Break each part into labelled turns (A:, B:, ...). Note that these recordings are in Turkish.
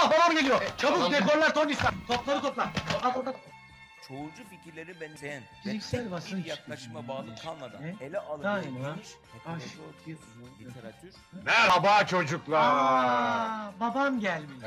A: Allah babam geliyor. Çabuk dekorlar Tony'stan. Topları topla. Topla.
B: Çoğulcu fikirleri benzeyen ve
A: Fiziksel
B: tek
A: basınç
B: bir yaklaşıma bağlı kalmadan
A: Ne?
B: ele alınan
A: Daima
B: geniş heterodoks literatür
C: Merhaba çocuklar.
A: Babam gelmiş.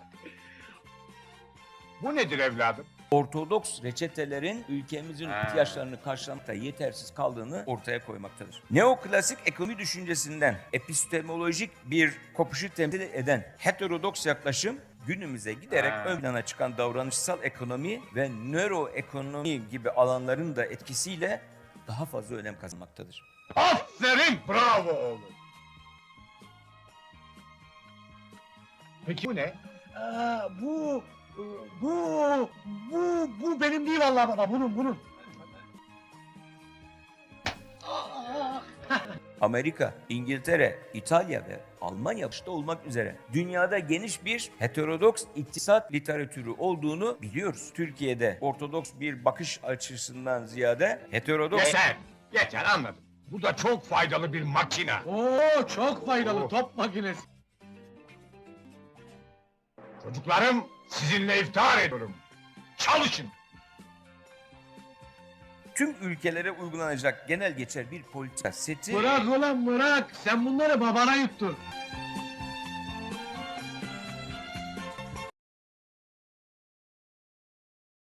C: Bu nedir evladım?
B: Ortodoks reçetelerin ülkemizin ihtiyaçlarını karşılamakta yetersiz kaldığını ortaya koymaktadır. Neoklasik ekonomi düşüncesinden epistemolojik bir kopuşu temsil eden heterodoks yaklaşım günümüze giderek ön plana çıkan davranışsal ekonomi ve nöroekonomi gibi alanların da etkisiyle daha fazla önem kazanmaktadır.
C: Aferin, bravo oğlum. Peki bu ne?
A: Bu benim değil vallahi baba. Bunun.
B: Amerika, İngiltere, İtalya ve Almanya başta olmak üzere dünyada geniş bir heterodoks iktisat literatürü olduğunu biliyoruz. Türkiye'de ortodoks bir bakış açısından ziyade heterodoks...
C: Yeter anladım. Bu da çok faydalı bir makine.
A: Oo, çok faydalı
C: Oh.
A: top makinesi.
C: Çocuklarım, sizinle iftihar ediyorum. Çalışın.
B: Tüm ülkelere uygulanacak genel geçer bir politika seti...
A: Bırak ulan bırak. Sen bunları babana yuttun.